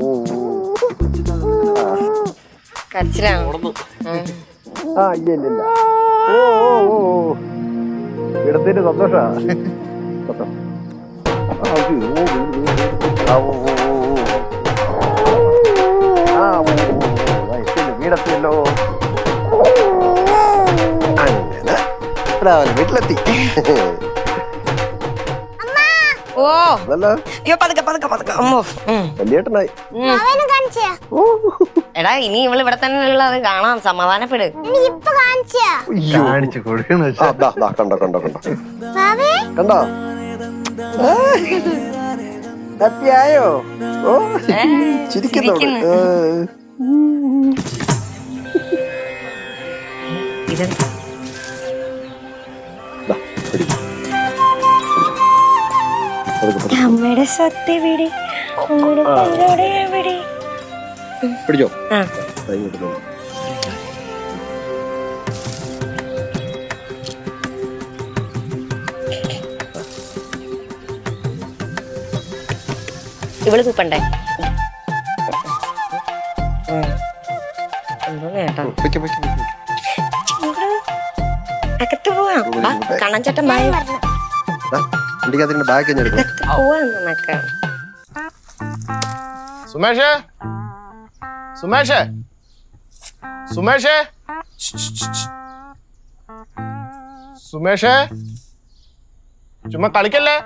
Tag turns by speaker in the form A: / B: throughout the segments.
A: കരച്ചിലാണോ?
B: ആ ഇല്ല ഇടത്തിന്റെ സന്തോഷാ. വീടെത്തിയല്ലോ. അങ്ങനെ വീട്ടിലെത്തി.
A: ഓ
B: വലിയേട്ടനായി.
A: എടാ ഇനി ഇവള് ഇവിടെ തന്നെ ഉള്ളത് കാണാം. സമാധാനപ്പെട്.
B: കാണിച്ചു കൊടുക്കണോ? കണ്ടോ കണ്ടോ കണ്ടോ കണ്ടോ? ഹാപ്പിയായോ? ഓ ചിരിക്കുന്നു.
A: അമ്മയുടെ സ്വത്ത് എവിടെ?
B: പിടിച്ചോ.
A: ഇവള് തൂപ്പണ്ടേ? എന്തോ നേട്ടാ. അകത്ത് പോവാം. കണ്ണൻചേട്ടൻ ബാഗ് പോവാന്നൊക്കെ.
C: സുമേഷേ, സുമേഷേ, സുമേഷേ, സുമേഷേ, ചുമ്മാ കളിക്കല്ലേ.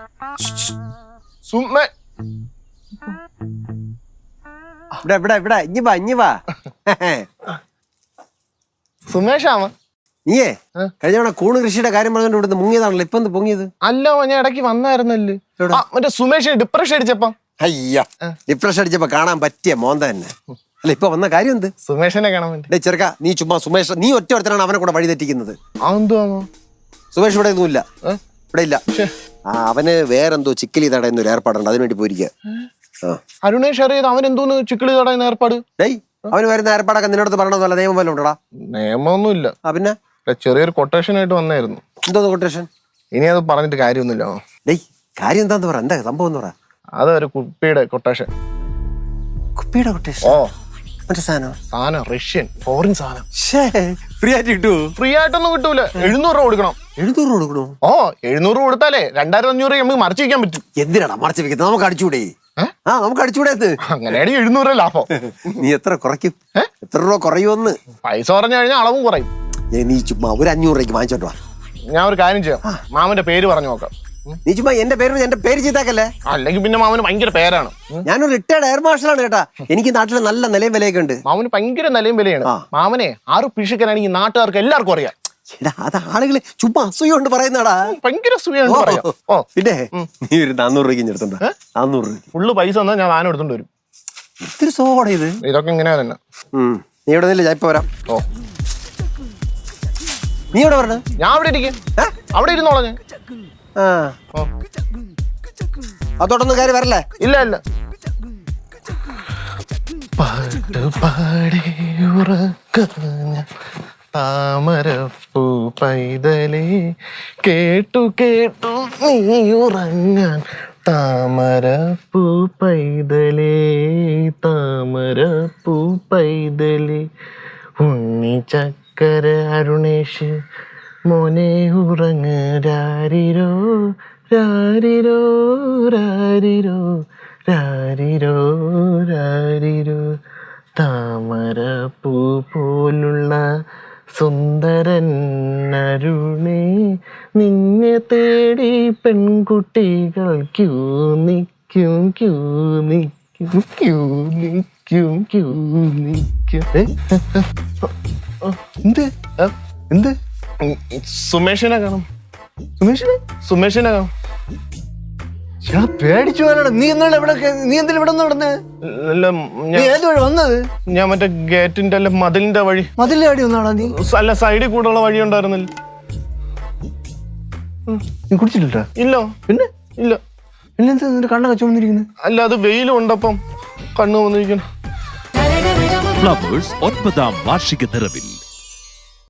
C: സുമേഷാമ
B: നീയേ കഴിഞ്ഞ തവണ കൂണ് കൃഷിയുടെ കാര്യം പറഞ്ഞോണ്ട് ഇവിടുന്ന് മുങ്ങിയതാണല്ലോ. ഇപ്പൊ എന്ത് പൊങ്ങിയത്?
C: അല്ല ഞാൻ ഇടയ്ക്ക് വന്നായിരുന്നല്ലേ മറ്റേ സുമേഷ് ഡിപ്രഷൻ അടിച്ചപ്പം.
B: അയ്യ ഡിപ്രഷൻ അടിച്ചപ്പോ കാണാൻ പറ്റിയ മോന്ത തന്നെ അല്ല. ഇപ്പൊ വന്ന കാര്യം എന്ത്?
C: സുമേഷിനെ കാണാൻ വേണ്ടി.
B: ചെറുക്ക നീ ചുമ്മാ സുമേഷ് നീ ഒറ്റ ഒരുത്തനാണ് അവനെ കൂടെ വഴി തെറ്റിക്കുന്നത്. സുമേഷ് ഇവിടെ ഒന്നുമില്ല. ഇവിടെ ഇല്ല. അവന് വേറെന്തോ ചിക്കലി തടയുന്ന ഏർപ്പാടുണ്ട്. അതിനുവേണ്ടി പോയിരിക്കുക.
C: അരുണേഷ് അറിയാതെ അവൻ എന്തോന്ന് ചിക്കിളി തടയുന്ന ഏർപ്പാട്?
B: അവന് വരുന്ന ഏർപ്പാടൊക്കെ നിന്നോട് പറയണമെന്നല്ല നിയമം വല്ല ഉണ്ടോടാ?
C: നിയമമൊന്നുമില്ല.
B: പിന്നെ
C: ചെറിയൊരു കൊട്ടേഷൻ ആയിട്ട് വന്നായിരുന്നു.
B: എന്തോ കൊട്ടേഷൻ?
C: ഇനി അത് പറഞ്ഞിട്ട് കാര്യമൊന്നുമില്ല.
B: കാര്യം എന്താന്ന് പറ. എന്താ സംഭവം എന്ന് പറ.
C: അതൊരു കുപ്പിയുടെ കൊട്ടേഷൻ.
B: കുപ്പിയുടെ കൊട്ടേഷൻ? ഓ മറ്റേ സാധനം റഷ്യൻ ഫോറിൻ സാധനം. ഫ്രീ ആയിട്ട് കിട്ടുമോ? ഫ്രീ ആയിട്ടൊന്നും കിട്ടൂല. 700 രൂപ കൊടുക്കണം. 700 രൂപ കൊടുക്കണോ? ഓ 700 രൂപ കൊടുത്താലേ 2500 നമുക്ക് മറച്ചു വെക്കാൻ പറ്റും. എന്തിനാടാ മറച്ചു വെക്കുന്നത്? നമുക്ക് അടിച്ചുകൂടെ? നമുക്ക് അടിച്ചുകൂടെ?
C: അങ്ങനെയാണ് 700 ലാഭം.
B: നീ എത്ര കുറയ്ക്കും? എത്ര രൂപ കുറയുമെന്ന്?
C: പൈസ പറഞ്ഞു കഴിഞ്ഞാൽ അളവും കുറയും.
B: നീ ചുമ്മാ ഒരു 500 രൂപയ്ക്ക് വാങ്ങിച്ചോട്ടോ.
C: ഞാൻ ഒരു കാര്യം ചെയ്യാം. മാമന്റെ പേര് പറഞ്ഞു നോക്കാം.
B: നീ ചുമ്മാ എന്റെ പേര് ചെയ്താക്കല്ലേ.
C: അല്ലെങ്കിൽ പിന്നെ മാമന് ഭയങ്കര പേരാണ്.
B: ഞാനൊരു റിട്ടയർഡ് എയർ മാർഷലാണ് കേട്ടാ. എനിക്ക് നാട്ടിൽ നല്ല നിലയും വിലയൊക്കെ ഉണ്ട്.
C: മാമന് ഭയങ്കര നിലയും വിലയാണ്. മാമനെ 6 പിഷിക്കാനാണെങ്കിൽ നാട്ടുകാർക്ക് എല്ലാവർക്കും അറിയാം.
B: അത് ആളുകള് ചുമ്മാ അസൂയ കൊണ്ട് പറയുന്നടാ.
C: ഭയങ്കര അസൂയാണ്.
B: പിന്നെ നീ ഒരു 400 രൂപയ്ക്ക് എടുത്തുണ്ടോ? 400 രൂപ
C: ഫുള്ള് പൈസ തന്നാ ഞാൻ സാധനം എടുത്തോണ്ട് വരും.
B: ഇത്തിരി സോഡ ഇത്.
C: ഇതൊക്കെ ഇങ്ങനെ തന്നെ.
B: നീ ഇവിടെ നിന്നില്ല, ഞാൻ ഇപ്പൊ വരാം. ഓ നീ ഇവിടെ പറഞ്ഞ?
C: ഞാൻ അവിടെ ഇരിക്കും. അവിടെ ഇരുന്നോളാം ഞാൻ.
B: അതോടൊന്നും കാര്യം വരല്ലേ?
C: ഇല്ല ഇല്ല. പാട്ട് പാടി ഉറക്കഞ്ഞ താമരപ്പൂ പൈതലേ കേട്ടു കേട്ടു നീ ഉറങ്ങാൻ താമരപ്പൂ പൈതലേ താമരപ്പൂ പൈതലേ ഉണ്ണി ചക്കര അരുണേഷ് മോനെ ഉറങ്ങ് രാരിരോ രാരിരോ രാരിരോ രാരിരോ രാരിരോ താമരപ്പൂ പോലുള്ള സുന്ദരൻ അരുണേ നിന്നെ തേടി പെൺകുട്ടികൾ ക്യൂ നിൽക്കും ക്യൂ നിൽക്കും ക്യൂ നിൽക്കും ക്യൂ നിൽക്കും. എന്ത് എന്ത്? സുമേഷിനെ കാണും. സുമേഷിനെ കാണും.
B: പേടിച്ചു പോകാനാണ്. നീ എന്താണ് ഇവിടെ? നീ എന്തിനാ ഇവിടെ നടന്നേ? വന്നത്
C: ഞാൻ മറ്റേ ഗേറ്റിന്റെ അല്ല മതിലിന്റെ വഴി.
B: മതിലിന്റെ വഴി ഒന്നാണോ നീ?
C: അല്ല സൈഡിൽ കൂടെയുള്ള വഴി ഉണ്ടായിരുന്നില്ല.
B: നീ കുടിച്ചിട്ടില്ല?
C: ഇല്ല.
B: പിന്നെ
C: ഇല്ല.
B: പിന്നെന്താ നിന്റെ കണ്ണൊക്കെ ചുമന്നിരിക്കുന്നത്?
C: അല്ല അത് വെയിലും ഉണ്ടപ്പം കണ്ണു വന്നിരിക്കണം.
D: ഫ്ലവേഴ്സ് 9ാം വാർഷിക നിറവിൽ